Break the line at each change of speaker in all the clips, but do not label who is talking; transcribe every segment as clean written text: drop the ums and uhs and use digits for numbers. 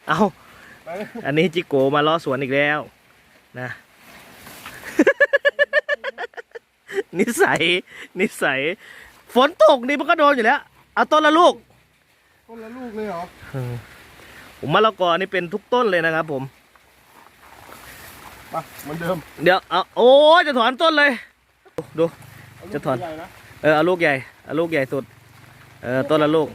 เอาอันนี้จิโกมาล้อสวนอีกแล้วนะ นิสัยฝนตกนี่มันก็โดนอยู่แล้วเอาต้นละลูก
ต้นละลูกเลยเหรอ
ผมมะละกอนี่เป็นทุกต้นเลยนะครับผม
ไปเหมือนเดิม
เดี๋ยวเอาโอ้จะถอนต้นเลยดูจะถอนเอาลูกใหญ่เอาลูกใหญ่สุดต้นละลูก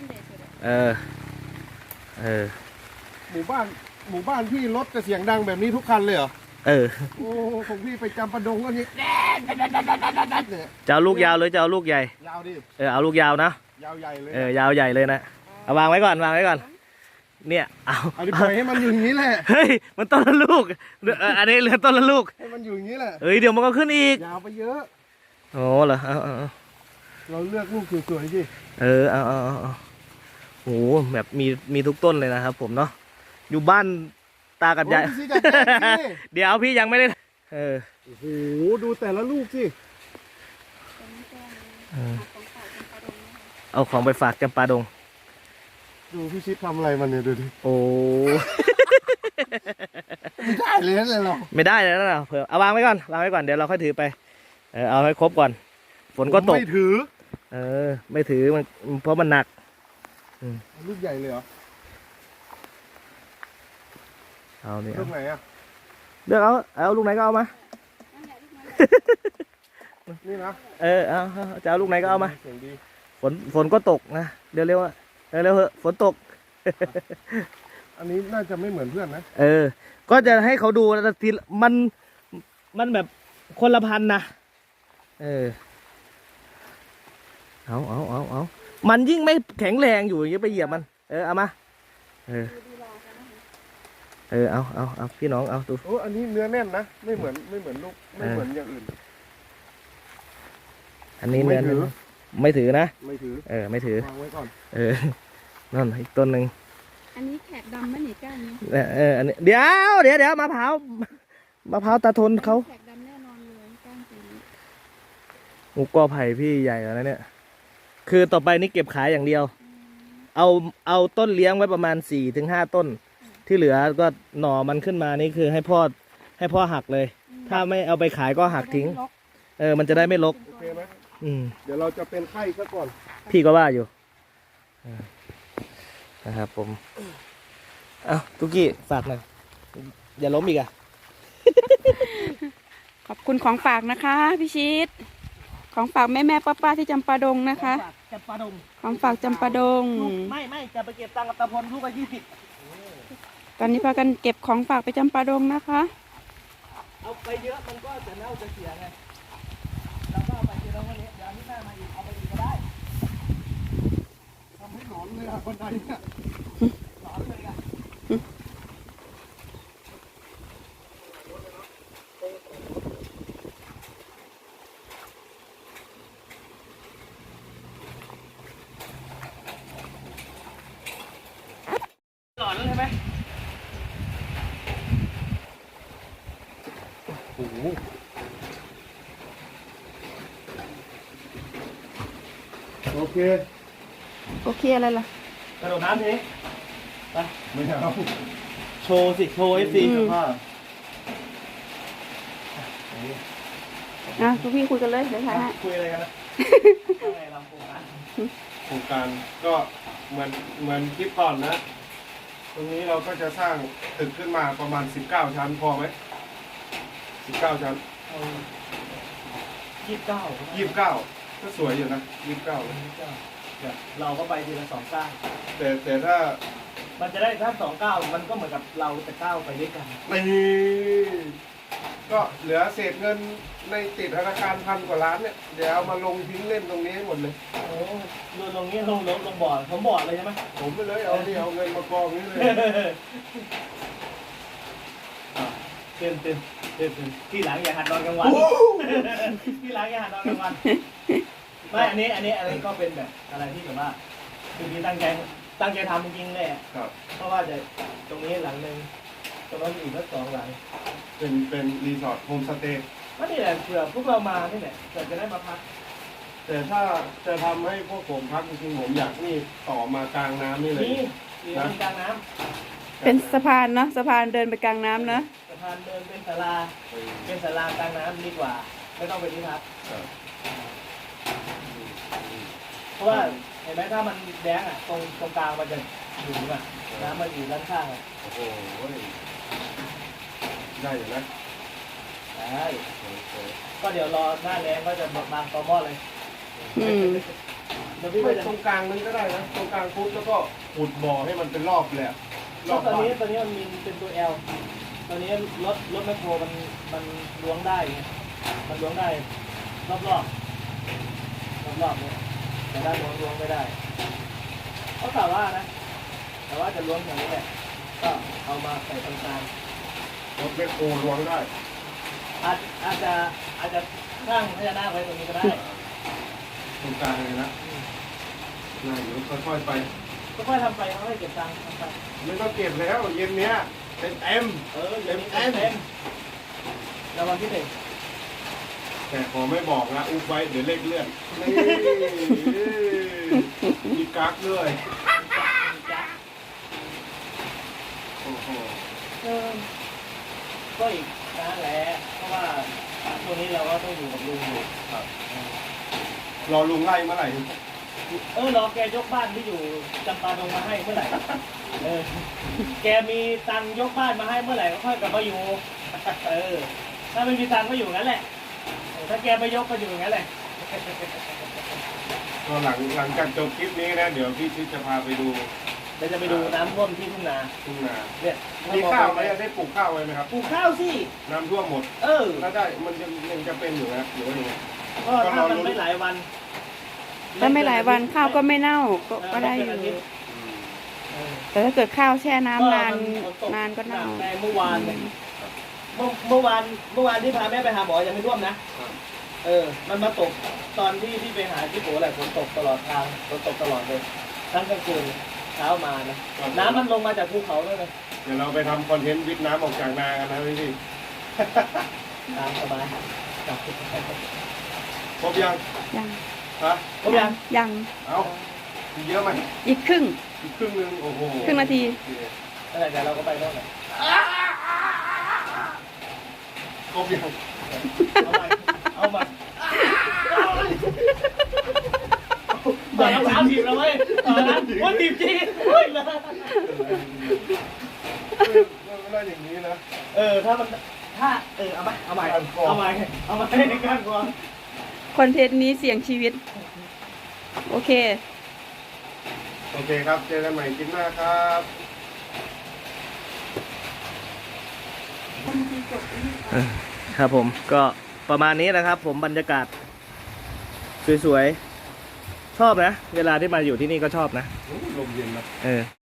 หมู่บ้านพี่รถจะเสียงดังแบบนี้ทุกคันเลยเหรอโอ้ของพี่ไปจำปะดงก็นี่
จะเอาลูกยาวเลยจะเอาลูกใหญ่
ยาวดิ
เอาลูกยาวนะ
ยาวใหญ่เลย
ยาวใหญ่เลยนะเอาวางไว้ก่อนเนี่ยเอา
ปล่อยให้มันอยู่อย่างนี้แหละ
เฮ้ยมันต้นละลูกอันนี้เหลือต้นละลูก
ให้มันอยู่อย่างนี้แหละ
เดี๋ยวมันก็ขึ้นอีก
ยาวไปเยอะ
โอ้เหรอ
เราเลือกลูกสวยๆสิ
เอาโอ้แบบมีทุกต้นเลยนะครับผมเนาะอยู่บ้านตากับยายเดี๋ยวพี่ยังไม่ได้
โอ้โหดูแต่ละลูกสิ
เอาของไปฝากจำปาดง
ดูพี่ชิดทำอะไรมันเนี่ยดูดิ
โอ้
ไม่ได้เลยนะเรา
ไม่ได้เลยนะเผื่อเอาวางไว้ก่อนเดี๋ยวเราค่อยถือไปเอาให้ครบก่อนฝนก็ตก
ไม่ถือ
ไม่ถือมันเพราะมันหนัก
ลูกใหญ่เลยเหรอ
เอาเนี่ย
ลูกไหนอ่ะ
เลือกเอาลูกไหนก็เอามา
นี่นะ
เอาจะเอาลูกไหนก็เอามาฝนก็ตกนะเร็วๆเร็วๆฝนตก
อันนี้น่าจะไม่เหมือนเพื่อนนะ
ก็จะให้เขาดูแต่ทีมันแบบคนละพันนะเอามันยิ่งไม่แข็งแรงอยู่อย่างเงี้ยไปเหยียบมันเอามาเอาพี่น้องเอาดู
โอ้อันนี้เนื้อแน่นนะไม่เหมือนลูกไม่เหมือนอย่างอื่น
อันนี้เนื้อไม่ถือนะ
ไม่ถือ
ไม่ถือ
วางไว้ก่อน
นั่นอีกต้นหนึ่ง
อันนี้แขกดำไหมหนิก้านนี้
อันนี้เดี๋ยวมะพร้าวตาทนเขา
แขกดำแน่นอนเลยก้านสี
งูกอไผ่พี่ใหญ่แล้วเนี่ยคือต่อไปนี่เก็บขายอย่างเดียวเอาต้นเลี้ยงไว้ประมาณ 4-5 ต้นที่เหลือก็หน่อมันขึ้นมานี่คือให้พ่อหักเลยถ้าไม่เอาไปขายก็หักทิ้งมันจะได้ไม่รก
โอเคไหมเดี๋ยวเราจะเป็นไข้ซะก่อน
พี่ก็ว่าอยู่นะครับผมตุกี้ฝากหน่อยอย่าล้มอีก
ขอบคุณของฝากนะคะพี่ชิดของฝากแม่ป้าที่จำปาดงนะคะ
จำปาดง
ของฝากจำปาดง
ไม่จะไปเก็บตังค์กับตาพลลูกละ20
ตอนนี้พากันเก็บของฝากไปจำปาดงนะคะ
เอาไปเยอะมันก็จะเน่าจะเสียไงเราก็เอาไปทีละวันนี้เดี๋ยวนี้หน้ามาอีกเอาไปอีกก็ได้
ทำให้หนอนเลยคนใดเนี่ยหนอนเลย
หลอนใช่ไหม
โอ้โหโอเค
อะไรล่ะ
กระโดดน้ำทีไป
ไม่เอา
โชว์FC
ทุกพี่คุยกันเลยเดี๋ยวถ่ายให้
คุยอะไรกันนะ
โครงการก็เหมือนคลิปก่อนนะตรงนี้เราก็จะสร้างตึกขึ้นมาประมาณ19 ชั้นพอไหม19 ชั้น29ก็สวยอยู่นะ29
เราก็ไปทีละ2 ก้าว
แต่ถ้า
มันจะได้ถ้า2 ก้าวมันก็เหมือนกับเราจะก้าวไปด้วยกัน
นี่ก็เหลือเศษเงินในติดธนาคาร1,000 กว่าล้านเนี่ยเดี๋ยวเอามาลงทิ้งเล่นตรงนี้ให้หมดเลย
โอ้ดูตรงนี้ลงบ่อผมบ่อเลยใช่ไหม
ผมไปเลยเอาเงินมากองนี้เลย
เต็มที่หลังอย่าหัดนอนกลางวันที่หลังอย่าหัดนอนกลางวันไม่อันนี้ก็เป็นแบบอะไรที่แบบว่าคือพี่ตั้งใจทำจริงๆเลยเพราะว่าจะตรงนี้หลังนึงตรงนั้นอีกสัก2 หลัง
เป็นรีสอร์ทโฮมสเตย์
ก็นี่แหละเผื่อพวกเรามาที่ไหนจะได้มาพัก
แต่ถ้าจะทำให้พวกผมพักจริงๆผมอยากนี่ต่อมากลางน้ำนี่เลย
นี่กลางน้ำ
ก
เป็นสะพานเนาะสะพานเดินไปกลางน้ำเนาะ
สะพานเดินเป็นศาลาเป็นศาลากลางน้ำดีกว่า ไม่ต้องเป็นที่พัก
ครับ
เพราะว่าเห็นไหมถ้ามันแดงอ่ะตรงกลางมันจะอยู่อ่ะน้ำมันอยู่ด้านข้างอ่ะ
โอ้โหได้อยู่นะ
ใช่ก็เดี๋ยวรอหน้าแรงก็จะบางตอหม้อเลย
อืม
เดี๋ยวพี่
ไม่
ก็จะ
ตรงกลางนั้นก็ได้นะตรงกลางปุ๊บแล้วก็ขุดบ่อให้มันเป็นรอบเลยอะร
ก็
อบ
ตอน
บ้าน
นี้มันมีเป็นตัว L ตอนนี้รถแมคโครมันล้วงได้ไงมันล้วงได้รอบเนี่ยแต่ด้านบนล้วงไม่ได้เขากล่าวว่านะแต่ว่าจะล้วงอย่างนี้แหละก็เอามาใส่ตรงกลาง
รถแมคโครล้วงได้
อาจจะตั้งพญานาคไว้ตรงนี้ก็ได้
ตรงกลางเลยนะน่าอยู่ค่อยๆไป
ก็ค่อยทำไปค่อยเก็บตังค์ทำไป
ไม่ต้องเก็บแล้วเย็นเนี้ยเต็ม
เดี๋ยวนี้เต็มรางวัลที่หนึ่ง
แต่ขอไม่บอกนะอุบไว้เดี๋ยวเลขเลื่อนนี่มีกั๊กด้วยโอ้โห
ก็อีกนั่นแหละเพราะว่าช่วงนี้เราก็ต้องอยู่กับลุงอยู่
ครับรอลุงไล่เมื่อไหร่
รอแกยกบ้านที่อยู่จำปาดงมาให้เมื่อไหร่แกมีตังค์ยกบ้านมาให้เมื่อไหร่ก็ค่อยกลับมาอยู่ถ้าไม่มีตังค์ก็อยู่งั้นแหละถ้าแกไปยกก็อยู่งั้นแหละ
ก็หลังจากจบคลิปนี้นะเดี๋ยวพี่ชิดจะพาไปดู
เดี๋ยวจะไปดูน้ำท่วมที่ทุ่งนา
ทุ่งนา
เนี่ย
มีข้าวไหมได้ปลูกข้าวไว้ไหมครับ
ปลูกข้าวสิ
น้ำท่วมหมด ถ้าได้มันจะเป็นอยู่นะหรือว่ายังไง
ก็ถ้ามันไม่หลายวัน
ถ้าไม่หลายวันข้าวก็ไม่เน่าก็ได้อยู่ แต่ถ้าเกิดข้าวแช่น้ำนานก็เน่า
แต่เมื่อวานเนี่ยเมื่อวานที่พาแม่ไปหาหมอยังไม่ท่วมนะ มันมาตกตอนที่ไปหาที่โผล่แหละฝนตกตลอดทางฝนตกตลอดเลยทั้งกลางคืนเช้ามานะน้ำมันลงมาจากภูเขาด้วยนะ
เดี๋ยวเราไปทำคอนเทนต์วิทย์น้ำออกจากนากันนะพี่
ตามสบาย
ครบยัง
ยัง
ฮะ
ครบยัง
ยัง
เอาเยอะไหม
อีกครึ่ง
อีกครึ่งนึงโอ้โห
ครึ่งนาที
นั่นแหละเดี๋ยวเราก็ไปโน่นแหละ
ครบยัง
เอามาเดี๋ยวสามทีแล้วเว้ยว่าทีมจริงเฮ้ยนะ
ไม่ได้อย่างนี้นะ
ถ้าเอาใหม่ในการกรอง
คอนเทนต์นี้เสี่ยงชีวิต โอเค
โอเคครับเจอกันใหม่คลิปหน้าครับ
ครับผมก็ประมาณนี้นะครับ ผมบรรยากาศสวยๆชอบนะเวลาที่มาอยู่ที่นี่ก็ชอบนะ
ลมเย็นนะ
เออ